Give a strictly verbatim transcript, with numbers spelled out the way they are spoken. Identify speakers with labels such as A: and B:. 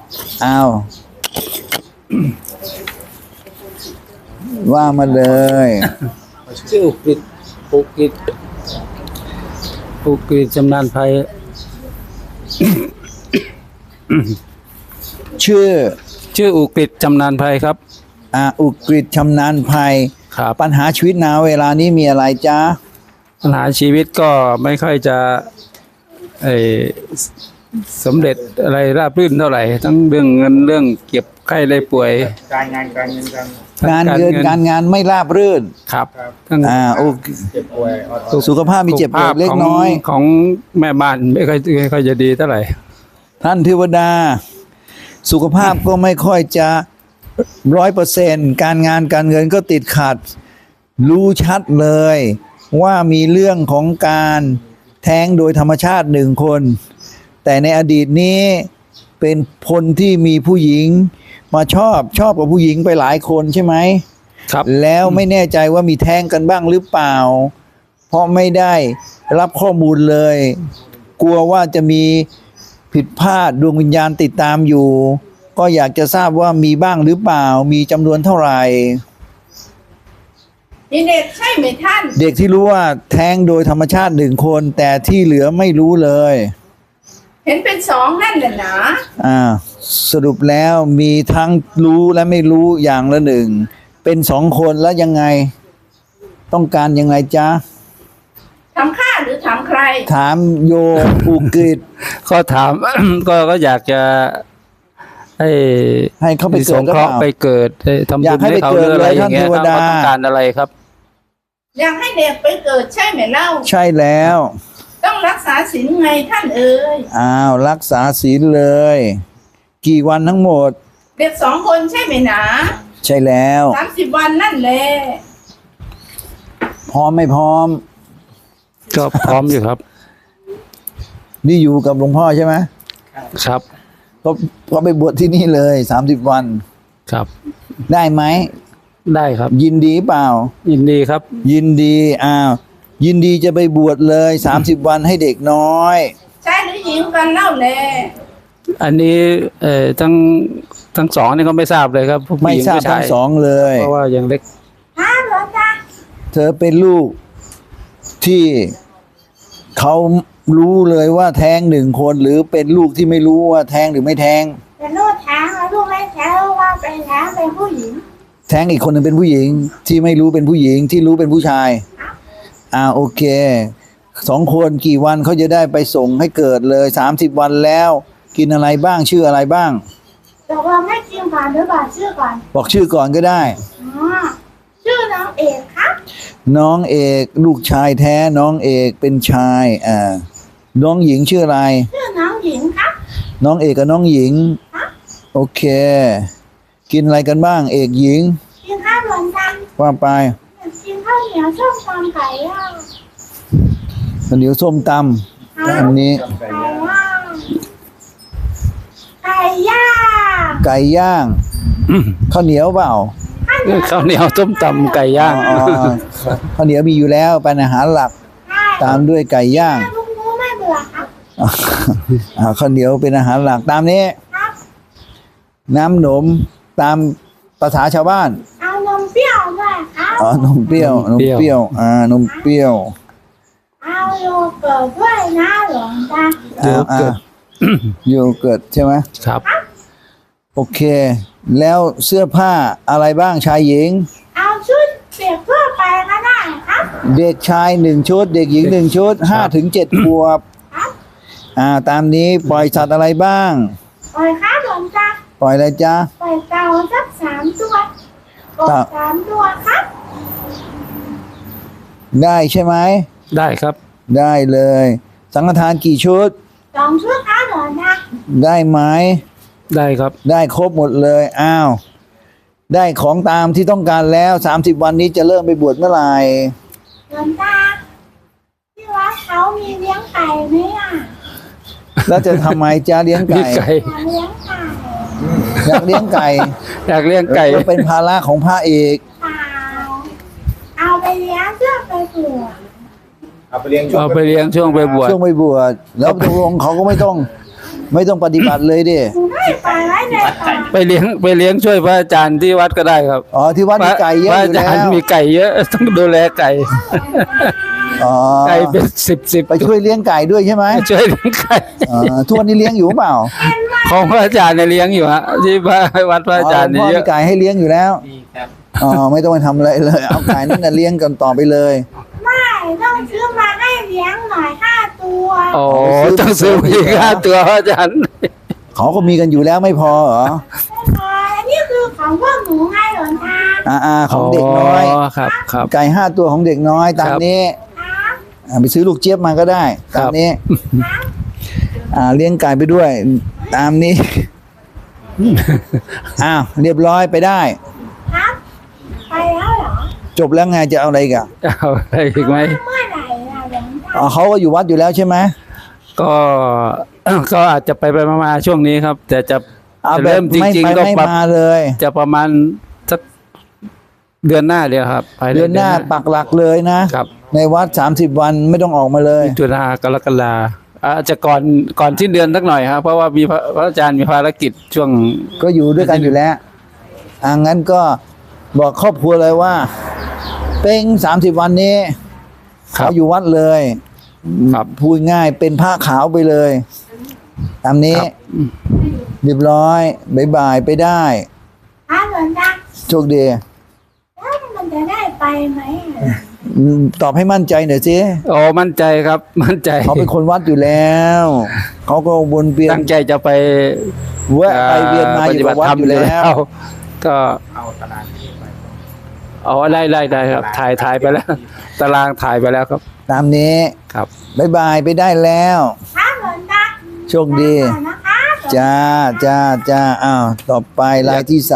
A: อ้าวว่ามาเลย
B: ชื่ออุกฤษอุกฤษอุกฤษชำนาญภัย
A: ชื่อ
B: ชื่ออุกฤษชำนาญภัยครับ
A: อ่าอุกฤษชำนาญภัย
B: ครับ
A: ปัญหาชีวิตนาเวลานี้มีอะไรจ๊ะ
B: ปัญหาชีวิตก็ไม่ค่อยจะไอสำเร็จอะไรราบรื่นเท่าไหร่ ทั้งเรื่องเงินเรื่องเก็บไข้ได้ป่วย
C: การงานการเงินการ
A: งานเงินการงานไม่ราบรื่น
B: ครับทั้ง
A: อ่าโอเค
C: เจ็บป่วยออโต้
A: สุขภาพมีเจ็บปวดเล็กน้อย
B: ของแม่บ้านไม่ค่อยไม่ค่อยจะดีเท่าไหร่
A: ท่านเทวดา สุขภาพก็ไม่ค่อยจะร้อยเปอร์เซ็นต์การงานการเงินก็ติดขัด รู้ชัดเลย ว่ามีเรื่องของการแท้งโดยธรรมชาติหนึ่งคน แต่ในอดีตนี้เป็นคนที่มีผู้หญิงมาชอบชอบกับผู้หญิงไปหลายคนใช่ไหม
B: ครับ
A: แล้วไม่แน่ใจว่ามีแท้งกันบ้างหรือเปล่า เพราะไม่ได้รับข้อมูลเลย กลัวว่าจะมีผิดพลาดดวงวิญญาณติดตามอยู่ ก็อยากจะทราบว่ามีบ้างหรือเปล่า มีจำนวนเท่าไหร่
D: มีเด็กใช่ไหมท่าน
A: เด็กที่รู้ว่าแท้งโดยธรรมชาติหนึ่งคน แต่ที่เหลือไม่รู้เลย
D: เห็นเป็นสองนั่นแหละนะ
A: อ่าสรุปแล้วมีทั้งรู้และไม่รู้อย่างละหนึ่ง เป็นสองคนแล้วยังไง ต้องการยังไงจ๊ะ
D: ทำข้าหรือทำใคร
A: ถามโยมอุกฤษ
B: ก็ถาม ก็ก็อยากจะให้
A: ให้เขาไป
B: มี
A: เกิ
B: ส
A: ด
B: ง
A: หรือ
B: เคราะ
A: เป
B: ห์
A: ล่า
B: ไปเกิดให้ทำ
A: อยา
B: บุ
A: ก
B: ญ
A: ให้
B: ให้
A: ไป
B: เขา
A: เกิ
B: ห
A: ด
B: รืออะไร
A: เลย
B: อย่างเงี้ย
A: ท่านเทว
B: เขา
A: ดา
B: ต้องการอะไรครับ
D: อยากให้เด็กไปเกิดใช่ไหมเล่า
A: ใช่แล้ว
D: ต้องรักษาศีลไงท่านเอ๋ย
A: อ้าวรักษาศีลเลย กี่วันทั้งหมด
D: เด็กสองคนใช่ไหมนะ
A: ใช่แล้ว
D: สามสิบวันนั่นแหละ
A: พร้อมไม่พร้อม
B: ก็พร้อมอยู่ครับ
A: นี่อยู่กับหลวงพ่อใช่ไหม
B: ครับ
A: ก็ก็ไปบวชที่นี่เลยสามสิบวัน
B: ครับ
A: ได้ไหม
B: ได้ครับ
A: ยินดีเปล่า
B: ยินดีครับ
A: ยินดีอ้าวยินดีจะไปบวชเลยสามสิบวันให้เด็กน้อย
D: ชายหรือหญิงกันเล่าแล
B: อันนี้เอ่อทั้งทั้งสองนี่ก็ไม่ทราบเลยครับผู้
A: ไม่
B: หญิง
A: ทราบ
B: ผู้ชา
A: ทั้
B: ย
A: งสองเลย
B: เพราะว่ายังเล็ก
D: ฮะเหรอจ๊ะ
A: เธอเป็นลูกที่เขารู้เลยว่าแท้งหนึ่งคน หรือเป็นลูกที่ไม่รู้ว่าแท้งหรือไม่แท้ง
D: เป็นลูกแท้งแล้วลูกไม่แท้งว่าเป็นแท้งเป็นผู้หญิง
A: แท้งอีกคนหนึ่งเป็นผู้หญิง ที่ไม่รู้เป็นผู้หญิงที่รู้เป็นผู้ชายอ่าโอเคสองคนกี่วันเขาจะได้ไปส่งให้เกิดเลยสามสิบวันแล้ว กินอะไรบ้างชื่ออะไรบ้าง
D: ตกลงไม่จริงก่อนหรือบอกชื่อก่อน
A: บอกชื่อก่อนก็ได้
D: อ๋อชื่อน้องเอกครับ
A: น้องเอกลูกชายแท้น้องเอกเป็นชายอ่าน้องหญิงชื่ออะไร
D: ชื่อน้องหญิงครับ
A: น้องเอกกับน้องหญิง โอเค กินอะไรกันบ้าง เอกหญิง
D: กินข้าวหลวงตา
A: ว่าไป
D: กินข้าวเหนียวส้มตำไก่ย่าง
A: ข้าวเหนียวส้มตำอันนี้
D: ไก่ย่างไก่ย่าง
A: ไก่ย่างข้าวเหนียวเปล่า
B: ข้าวเหนียวต้มตำไก่ย่าง
A: อ๋อข้าวเหนียวมีอยู่แล้วเป็นอาหารหลัก
D: ใช่
A: ตามด้วยไก่ย่าง
D: ลุงรู้ไม่เบื่อครับ
A: อ่าข้าวเหนียวเป็นอาหารหลักตามนี้
D: ครับ
A: น้ำหนมตามภาษาชาวบ้าน
D: เอานมเปรี้ยวด้วยครับ
A: อ๋อนมเปรี้ยวน น
B: ม
A: ม
B: เปรี้ยว
A: เปรี้ยวอ่านมเปรี้ยว
D: เอาโยเกิร์ตด้วยนะหลวงตา
A: อ่าอ่าโยเกิร์ตใช่ไหม
B: ครับ
A: โอเค แล้วเสื้อผ้าอะไรบ้างชายหญิง
D: เอาชุดเปียกทั่วไปก็ได้ครับ
A: เด็กชายหนึ่งชุด เด็กหญิงหนึ่งชุดห้าถึงเจ็ดขวบ
D: ครับ
A: อ่าตามนี้ปล่อยสัตว์อะไรบ้าง
D: ปล่อยครับหลวงตา
A: ปล่อยอะไรจ๊ะ
D: ปล่อยเต่าสักสามตัวกบ
A: เต่า
D: สามตัวครับ
A: ได้ใช่ไหม
B: ได้ครับ
A: ได้เลย สังฆทานกี่ชุด
D: สองชุดครับหลวงตา
A: ได้ไหม
B: ได้ครับ
A: ได้ครบหมดเลย อ้าว ได้ของตามที่ต้องการแล้วสามสิบวันนี้จะเริ่มไปบวชเมื่อไหร่
D: หลวงตาที่วัดเขามีเลี้ยงไก่ไหมอ่ะ
A: แล้วจะทำไมจ๊ะเลี้ยง
B: มี
A: ไก่
B: ไก่
D: อยากเลี้ยงไก่
A: อยากเลี้ยงไก่
B: อยากเลี้ยงไก่
A: ก็เป็นภาระของพระเอก
D: เปล่าเอาไปเลี้ยงเพื่อไปบวช
C: เอาไปเลี้ยงช่วง
B: เอาไปเลี้ยงช่วงไปบวช
A: ช่วงไปบวชแล้วตกลงเขาก็ไม่ต้อง ไม่ต้องปฏิบัติเลยดิ
D: หนูได้ไม่ปล่อยไว้ในป่า
B: ไปเลี้ยงไปเลี้ยงช่วยพระอาจารย์ที่วัดก็ได้ครับ
A: อ๋อที่วัดมีไก่เยอะ
B: พระ
A: อ
B: อา
A: ยู่
B: จา
A: แล้
B: รย์
A: ว
B: มีไก่เยอะ ต้องดูแลไก่
A: อ๋อ
B: ไก่เป็นสิบสิบ
A: ไปช่วยเลี้ยงไก่ด้วยใช่ไหม
B: ช่วยเลี้ยงไก่
A: อ๋อทุกวันนี้เลี้ยงอยู่เปล่า
B: ของพระอาจารย์เนี่ยเลี้ยงอยู่ฮะที่พระวัดพระอาจารย์
A: พ่
B: นี่
A: อ
B: เย
A: มี
B: อะ
A: ไก่ให้เลี้ยงอยู่แล้ว
C: ดีครับ
A: อ๋อไม่ต้องไปทำอะไรเลย เอาไก่นั่นน่ะเลี้ยงกันต่อไปเลย
D: ไม่ต้องซื้อมาให้เลี้ยงหน่อยห้าตัว
B: โอ้ต้องซื้ออีกห้าตัวพระอาจารย์
A: เขาก็มีกันอยู่แล้วไม่พอเหรอ
D: ไม่พออันนี้คือของพวกหนูไงหลวงตา
A: อ่าอ่าของเด็กน้อย
B: ครับครับ
A: ไก่ห้าตัวของเด็กน้อยตาม
B: ครับ
A: นี้
D: ครับ
A: อ่าไปซื้อลูกเจี๊ยบมาก็ได้
B: ครั
A: ตาม
B: บ
A: นี้
D: ครับ
A: อ่าเลี้ยงไก่ไปด้วย ตามนี้ อ้าวเรียบร้อยไปได้
D: ครับไปแล้วเหรอ
A: จบแล้วไงจะเอาอะไรอีกัน
B: เอาอะไรอีกไหม
D: เมื่อไหร่ล่ะหลวงตา
A: อ๋อเขาก็อยู่วัดอยู่แล้วใช่ไหม
B: ก็ ก็อาจจะไปไปมาๆช่วงนี้ครับ แต่จะ
A: เอา
B: จะ
A: แบ
B: เริ่
A: บ
B: มจ
A: ไม่
B: ริง
A: ไป
B: ๆก็
A: ไม่
B: ประ
A: มาเลย
B: จะประมาณสักเดือนหน้าเดียวครับภายใ
A: เดือนหน้าปักหลักเลยนะ
B: ครับ
A: ในวัดสามสิบวันไม่ต้องออกมาเลย
B: มิถุนากรกฎาอาจจะก่อนก่อนสิ้นเดือนสักหน่อยครับเพราะว่ามีพระพระอาจารย์มีภารกิจช่วง
A: ก็อยู่ด้วยกันอยู่แล้วอ่างั้นก็บอกครอบครัวเลยว่า เป้งสามสิบวันนี้
B: ครั
A: เขา
B: บ
A: อยู่วัดเลย
B: ครับ
A: พูดง่ายเป็นผ้าขาวไปเลย ตามนี้
B: ครับ
A: เรียบร้อยบายบายไปได้
D: ครับหลวงตา
A: โชคดี
D: แล้วมันจะได้ไปไหมอ่ะ
A: อืมตอบให้มั่นใจหน่อยสิ
B: โอ้มั่นใจครับ มั่นใจ
A: เขาเป็นคนวัดอยู่แล้ว เขาก็วนเวียน
B: ตั้งใจจะไป
A: แวะไปเวียนมาอยู่กับวัดอยู่แล้ว
B: ก็
C: เอาตารางที่ไป
B: เอาได้ได้ได้ครับ ถ่ายถ่ายไปแล้ว ตารางถ่ายไปแล้วครับ
A: ตามนี้
B: ครับ
A: บายบายไปได้แล้ว
D: ครับหลวงตา
A: โชคดี
D: ไปก่อนนะคะ
A: จ้าจ้าจ้าอ้าวต่อไปรายที่สาม